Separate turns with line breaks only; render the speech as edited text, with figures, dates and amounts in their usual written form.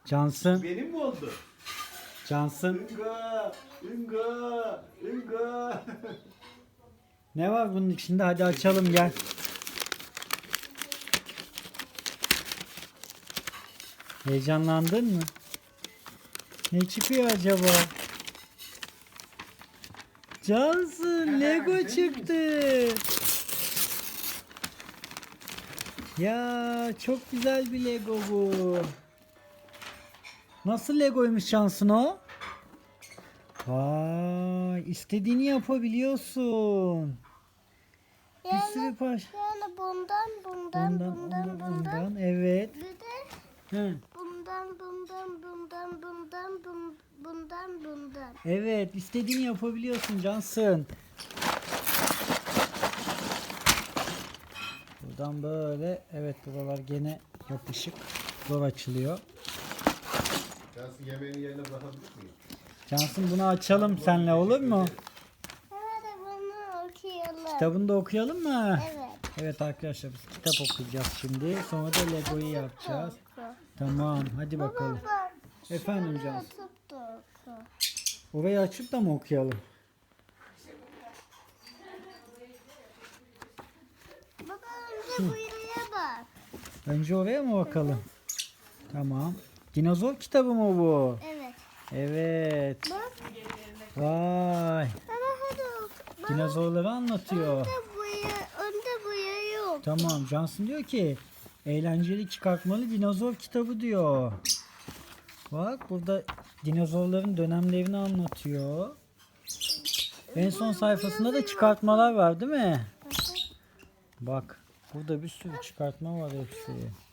Cansın.
Benim mi oldu?
Cansın.
Inga, Inga, Inga.
Ne var bunun içinde? Hadi açalım gel. Heyecanlandın mı? Ne çıkıyor acaba? Cansın, Lego çıktı. Ya çok güzel bir Lego bu. Nasıl Legoymuş Cansın o? Vay, istediğini yapabiliyorsun. Bir sürü parça.
Yani bundan.
Evet.
Bir de
Hı.
bundan.
Evet, istediğini yapabiliyorsun Cansın. Buradan böyle, evet buralar gene yapışık. Zor açılıyor.
Cansın yemeğini yerine bırakabilir miyim?
Cansın bunu açalım seninle olur mu?
Hadi bunu okuyalım.
Kitabını da okuyalım mı?
Evet.
Evet arkadaşlar biz kitap okuyacağız şimdi. Sonra da Lego'yu yapacağız. Tamam hadi bakalım.
Bak,
Efendim
şuraya
Cansın.
atıp da oku.
Orayı açıp da mı okuyalım?
Baba önce buraya bak.
Önce oraya mı bakalım? Tamam. Dinozor kitabı mı bu?
Evet.
Evet.
Bak.
Vay.
Baba hadi oku. Bak,
Dinozorları anlatıyor.
önde buraya yok.
Tamam. Cansın diyor ki eğlenceli çıkartmalı dinozor kitabı diyor. Bak burada dinozorların dönemlerini anlatıyor. En son sayfasında da çıkartmalar var değil mi? Bak burada bir sürü çıkartma var hepsi.